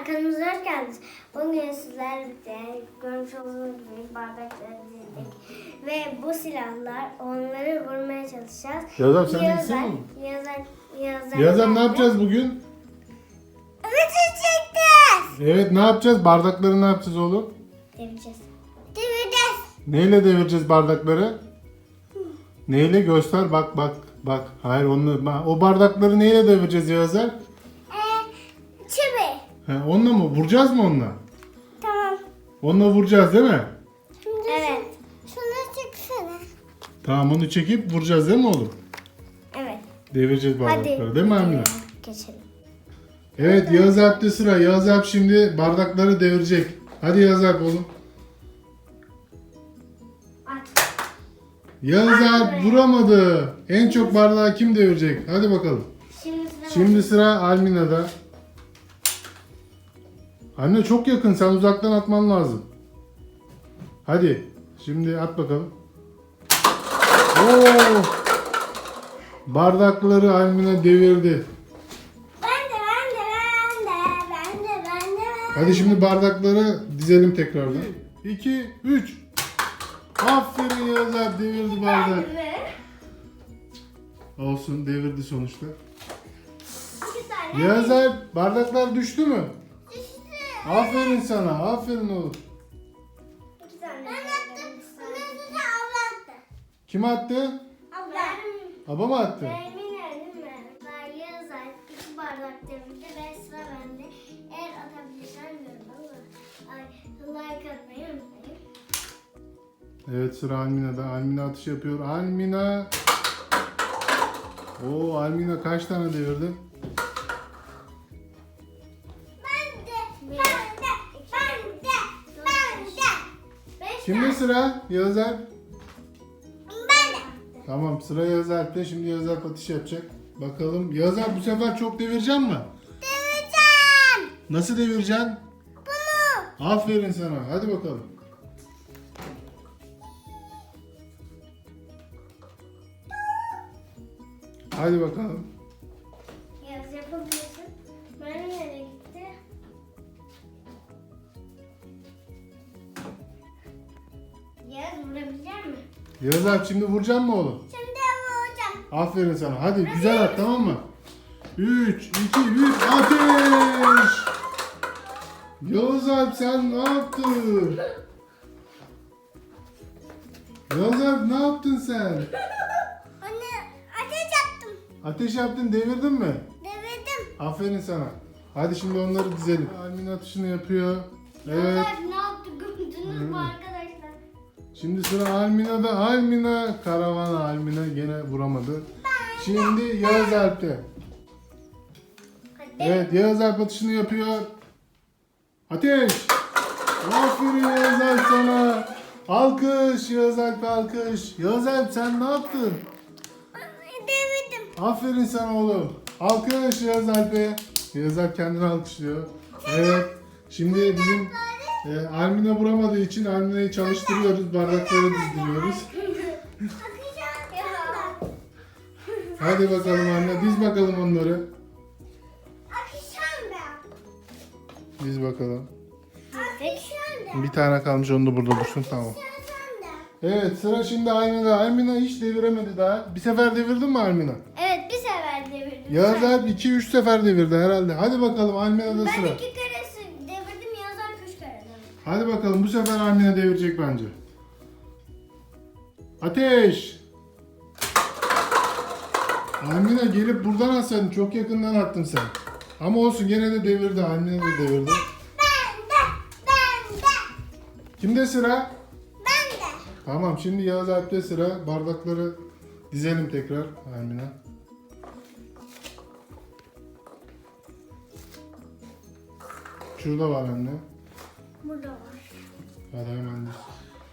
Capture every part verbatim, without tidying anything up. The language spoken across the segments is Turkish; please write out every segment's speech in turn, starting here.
kanalımıza hoş geldiniz. Bugün sizlerle birlikte görmüş olduğunuz gibi bardakları dizdik. Ve bu silahlar onları vurmaya çalışacağız. Yazar sen de gitsene mi? Yazar, Yazar, Yazar ne yapacağız bugün? Bitecektir. Evet ne yapacağız? Bardakları ne yapacağız oğlum? Devireceğiz. Devireceğiz. Neyle devireceğiz bardakları? Neyle? Göster bak bak bak. Hayır onu o bardakları neyle devireceğiz Yazar? Ee, çivi. He, onunla mı? Vuracağız mı onunla? Tamam. Onunla vuracağız değil mi? Şimdi evet. Şunu çeksene. Tamam onu çekip vuracağız değil mi oğlum? Evet. Devireceğiz bardakları Hadi. değil mi Amine? Geçelim. Evet Yağız Alp'te sıra. Yağız Alp şimdi bardakları devirecek. Hadi Yağız Alp oğlum. At. Yağız Alp vuramadı. En çok bardağı kim devirecek? Hadi bakalım. Şimdi sıra Şimdi sıra Almina'da. Anne çok yakın. Sen uzaktan atman lazım. Hadi. Şimdi at bakalım. Oo! Bardakları Almina devirdi. Ben de ben de ben de ben de ben de ben de. Hadi şimdi bardakları dizelim tekrardan. iki, üç. Aferin Yağız Alp devirdi bardak. Olsun devirdi sonuçta. İki tane. Yağız Alp bardaklar düştü mü? Düştü. Aferin sana. Aferin oğlum. İki tane. Ben attım. Ondan sonra abla attı. Kim attı? Abla. Baba mı attı? Ben eminim mi? Ben Yağız Alp iki bardak devirdi ve sıra bende. Eğer atabilirsem diyorum ama. Ay, like atmayı unutmayın. Evet sıra Almina'da. Almina atış yapıyor. Almina. Oo Almina kaç tane devirdi? Ben de, ben de, ben de, ben de. Beş Kimde tane. sıra? Yağız Alp. Ben de. Tamam sıra Yağız Alp'te. Şimdi Yağız Alp atış yapacak. Bakalım. Yağız Alp bu sefer çok devireceksin mi? Devireceğim. Nasıl devireceksin? Bunu. Aferin sana. Hadi bakalım. Hadi bakalım. Yaz yapabilirsin. Ben nereye gitti? Yaz vurabilecek mi? Yağız Alp şimdi vuracaksın mı oğlum? Şimdi vuracağım. Aferin sana. Hadi güzel at tamam mı? üç, iki, bir, ateş! Yağız Alp sen ne yaptın? Yağız Alp ne yaptın sen? Anne ateş yaptım. Ateş yaptın devirdin mi? Devirdim. Aferin sana. Hadi şimdi onları dizelim. Almin atışını yapıyor. Evet. Yaz ne yaptı gördünüz mü arkadaşlar? Şimdi sıra Almina'da. Almina karavana. Almina gene vuramadı. Şimdi Yağız Alp'te. Hadi. Evet Yağız Alp atışını yapıyor. Ateş! Aferin Yağız Alp sana. Alkış Yağız Alp alkış. Yağız Alp sen ne yaptın? Devirdim. Aferin sana oğlum. Alkış Yağız Alp'e. Yağız Alp kendini alkışlıyor. Evet. Şimdi bizim e, Almina vuramadığı için Almina'yı çalıştırıyoruz. Bardakları dizdiriyoruz. Hadi bakalım anne. Diz bakalım onları. Akışan da. Diz bakalım. Akışan da. Bir tane kalmış onu da burada dursun tamam. Evet sıra şimdi Almina. Almina hiç deviremedi daha. Bir sefer devirdin mi Almina? Evet bir sefer devirdim. Yağız Alp iki üç sefer devirdi herhalde. Hadi bakalım Almina'da Ben sıra. iki kere devirdim, Yazar üç kere devirdim. Hadi bakalım bu sefer Almina devirecek bence. Ateş! Almina gelip buradan atsaydın. Çok yakından attın sen. Ama olsun gene de devirdi. Almina da devirdi. Ben de, ben de, Kimde sıra? ben de. Tamam şimdi Yağız Alp'te sıra. Bardakları dizelim tekrar Almina. Şurada var anne. Burada var. Hadi hemen diz.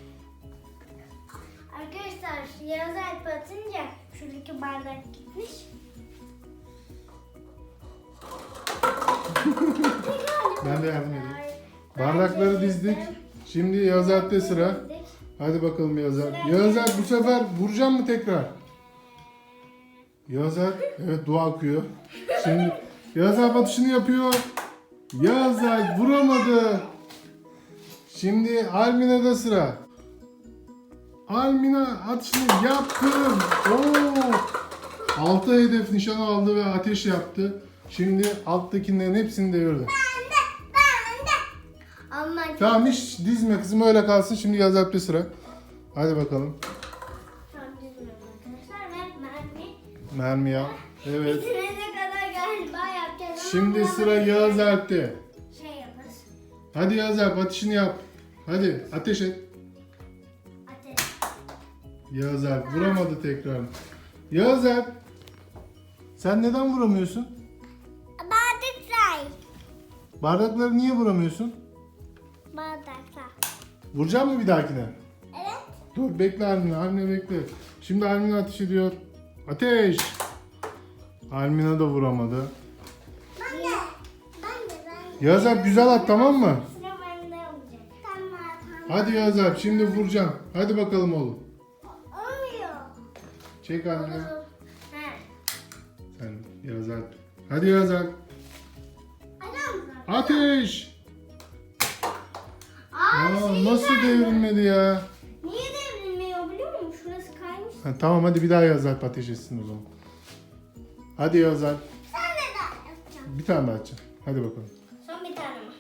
Arkadaşlar Yazar atınca şuradaki bardak gitmiş. Ben de yardım edeyim. Bardakları dizdik. Şimdi Yağız Alp'te sıra. Hadi bakalım Yağız Alp. Yağız Alp bu sefer vuracağım mı tekrar? Yağız Alp evet dua okuyor. Şimdi Yağız Alp atışını yapıyor. Yağız Alp vuramadı. Şimdi Almina'da sıra. Almina atışını yaptı. Oo! Altı hedef nişan aldı ve ateş yaptı. Şimdi alttakilerin hepsini devirdi. Ama Tamam hiç dizme kızım öyle kalsın. Şimdi Yağız Alp'te sıra. Hadi bakalım. tam dizmiyorum arkadaşlar ve mermi Mermi yap. Evet. bitirene kadar galiba yapacağız. ama Şimdi buna sıra böyle Yağız Alp'te. Şey yaparız. Hadi Yağız Alp atışını yap. Hadi ateş et. Ateş. Yağız Alp vuramadı tekrar. Yağız Alp. Sen neden vuramıyorsun? Bardaklar. Bardakları niye vuramıyorsun? Bardaklar. Vuracak mı bir dahakine? Evet. Dur bekle Almina. Almina bekle. Şimdi Almina ateş ediyor. Ateş. Almina da vuramadı. Ben de. Ben de ben de. Yağız Alp güzel at tamam mı? Sıra bende olacak. Tamam tamam. Hadi Yağız Alp şimdi vuracağım. Hadi bakalım oğlum. Olmuyor. Çek Almina. He. Sen Yağız Alp. Hadi Yağız Alp. Adam. Ateş. Aa, Aa, şey nasıl geldi. devrilmedi ya? Niye devrilmiyor biliyor musun? Şurası kaymış. Ha, tamam hadi bir daha Yağız Alp ateş etsin o zaman. Hadi Yağız Alp. Sen de daha yapacağım. Bir tane daha açacağım. Hadi bakalım. Son bir tane mi?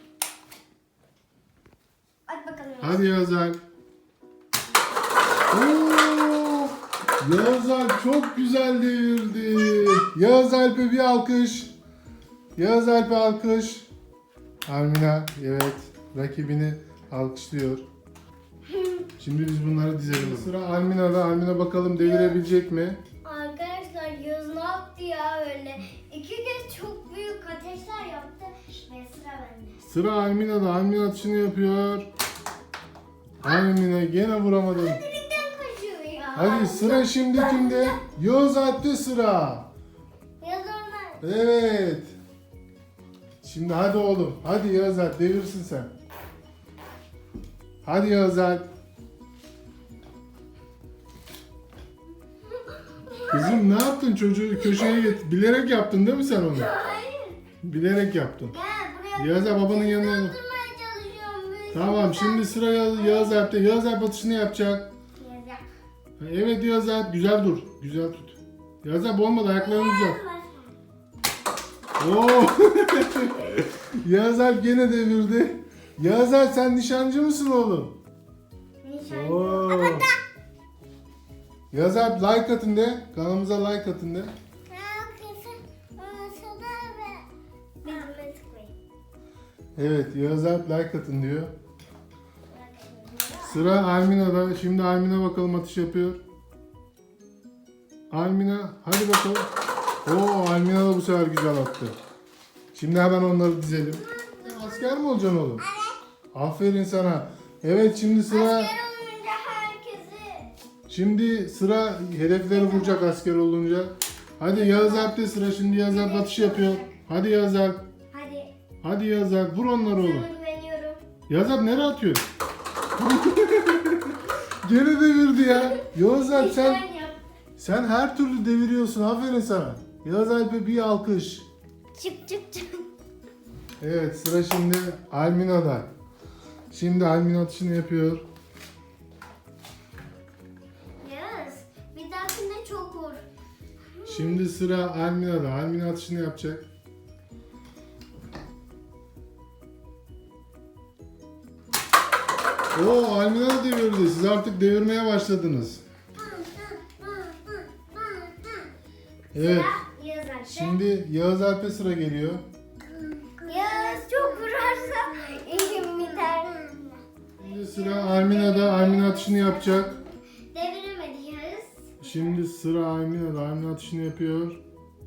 Hadi bakalım. Hadi Yağız Alp. Oo! Yağız Alp çok güzel devirdi. Yağız Alp'e bir alkış. Yağız Alp'e alkış. Almina evet rakibini alkışlıyor. Şimdi biz bunları dizelim. Sıra Almina'da. Almina bakalım devirebilecek mi? Arkadaşlar Yağız ne yaptı ya öyle? İki kez çok büyük ateşler yaptı ve sıra bende. Sıra Almina'da. Almina atışını yapıyor. Almina gene vuramadı. Dilimden kaçıyor ya. Hadi sıra şimdi kimde? Yağız Alp'te sıra. Yağız onlar. Evet. Şimdi hadi oğlum. Hadi Yağız Alp devirsin sen. Hadi Yağız Alp. Kızım ne yaptın çocuğu köşeye get. Bilerek yaptın değil mi sen onu? Hayır. Bilerek yaptın. Gel buraya. Yağız Alp babanın yanına. Oturmaya çalışıyorum. Böyle Tamam şimdi sıra Yağız, Yağız Alp'te. Yağız Alp atışını yapacak. Yağız yap. Evet Yağız Alp güzel dur. Güzel tut. Yağız Alp olmadı ayaklarını uzat. Oo. Yağız Alp gene devirdi. Yağız Alp sen nişancı mısın oğlum? Nişancı. Oo. Yağız Alp like atın de. Kanalımıza like atın de. Evet Yağız Alp like atın diyor. Sıra Almina'da. Şimdi Almina bakalım atış yapıyor. Almina hadi bakalım. Oo Almina da bu sefer güzel attı. Şimdi hemen onları dizelim. Asker mi olacaksın oğlum? Evet. Aferin sana. Evet şimdi sıra Asker olunca herkesi. şimdi sıra hedefleri vuracak asker olunca. Hadi Yağız Alp'te sıra. Şimdi Yağız Alp atış yapıyor. Hadi Yağız Alp. Hadi. Hadi Yağız Alp vur onları oğlum. Sana güveniyorum. Yağız Alp nereye atıyor? Gene devirdi ya. Yağız Alp sen Nişan yap. sen her türlü deviriyorsun. Aferin sana. Yağız Alp'e bir alkış. Çık çık çık. Evet sıra şimdi Almina'da. Şimdi Almina atışını yapıyor. Yağız. Bir dahakinde çok vur. Şimdi sıra Almina'da. Almina atışını yapacak. Oo Almina da devirdi. Siz artık devirmeye başladınız. Evet. Sıra Yağız Alp'te. Şimdi Yağız Alp'e sıra geliyor. Yağız çok vurarsa işim biter. Şimdi sıra Almina'da. Almina atışını yapacak. Deviremedi Yağız. Şimdi sıra Almina'da. Almina atışını yapıyor.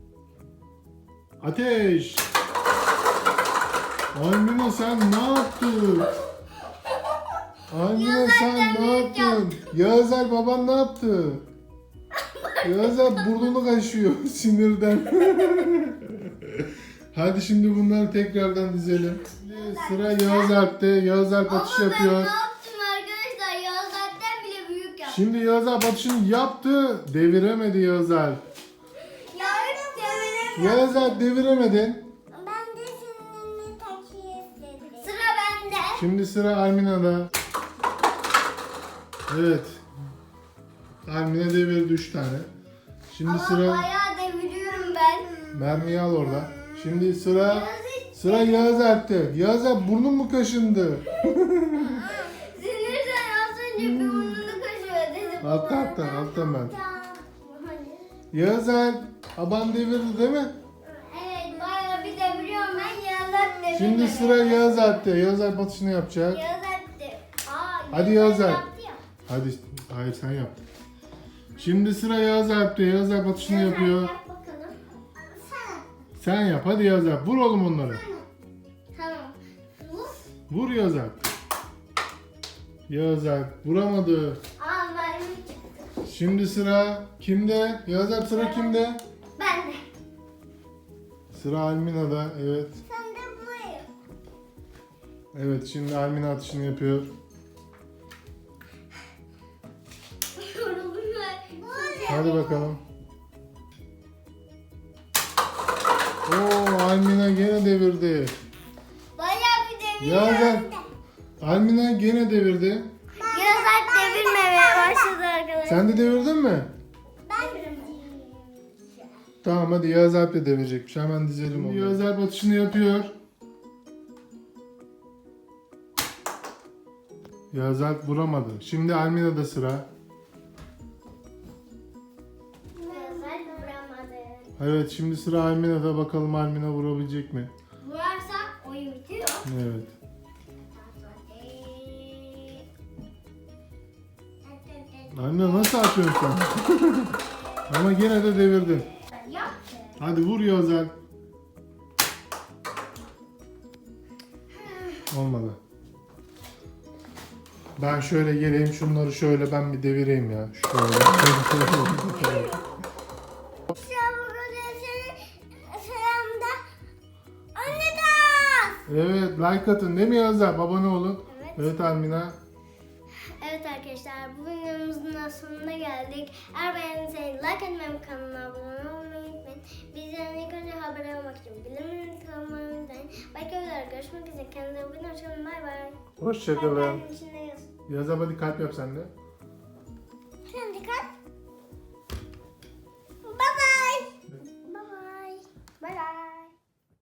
Ateş! Almina sen ne yaptın? Almina sen ne yaptın? Yağız Alp baban ne yaptı? Yağız Alp burnunu kaşıyor sinirden. Hadi şimdi bunları tekrardan dizelim. Şimdi sıra Yağız Alp'te. Yağız Alp atış Ama ben yapıyor. ne yaptım arkadaşlar? Yağız Alp'ten bile büyük yaptım. Şimdi Yağız Alp atışını yaptı. Deviremedi Yağız Alp. Yağız deviremedi. Yağız Alp deviremedin. Ben de seninle takip Şimdi sıra Almina'da. Evet. Almina devirdi üç tane. Şimdi Ama sıra bayağı deviriyorum ben. mermiyi al orada. Şimdi sıra Yağız hiç- sıra Yağız Alp'te. Yağız Alp burnun mu kaşındı? Sinirden az önce bir burnunu kaşıyor dedim. Altta altta alttan ben. Hadi. Yağız Alp aban devirdi değil mi? Evet bayağı bir deviriyorum ben Yağız devirmedi. Şimdi sıra Yağız Alp'te. Yağız Alp atışını yapacak. Yağız de. Aa, Hadi Yağız Alp. yaptı ya. Hadi hayır sen yap. Şimdi sıra Yağız Alp'te. Yağız Alp atışını Yağız yapıyor. Yap bakalım. Sen. Sen yap hadi Yağız Alp. Vur oğlum onları. Tamam. Vur. Vur Yağız Alp. Yağız Alp vuramadı. Aa mermi çıktı. Şimdi sıra kimde? Yağız Alp sıra kimde? Ben de. Sıra Almina'da. Evet. Sen de buraya. Evet şimdi Almina atışını yapıyor. Yoruldum ben. Hadi bakalım. Oo Almina gene devirdi. Bayağı bir deviriyorum. Yağız Alp. Almina gene devirdi. Yağız Alp devirmemeye başladı arkadaşlar. Sen de devirdin mi? Ben devirmedim. Tamam hadi Yağız Alp de devirecekmiş. Hemen dizelim onu. Yağız Alp atışını yapıyor. Yağız Alp vuramadı. Şimdi Almina'da sıra. Yağız Alp vuramadı. Evet şimdi sıra Almina'da. Bakalım Almina vurabilecek mi? Vurarsa oyun bitiyor. Evet. Almina nasıl atıyorsun sen? Ama gene de devirdin. Yap. Hadi vur Yağız Alp. Olmadı. Ben şöyle geleyim şunları şöyle ben bir devireyim ya. Şöyle. Selamda. Anne de. Evet like atın değil mi Yağız Alp? Abone olun. Evet. Evet Almina. Evet arkadaşlar bu videomuzun da sonuna geldik. Eğer beğendiyseniz like atmayı ve kanalıma abone olmayı unutmayın. Bizden ilk önce haber almak için bildirimleri kanalıma unutmayın. Başka videolarda görüşmek üzere. Kendinize iyi bakın. Hoşçakalın. Bay bay. Hoşçakalın. Kalbin içinde yazın. Yağız Alp hadi kalp yap sen de.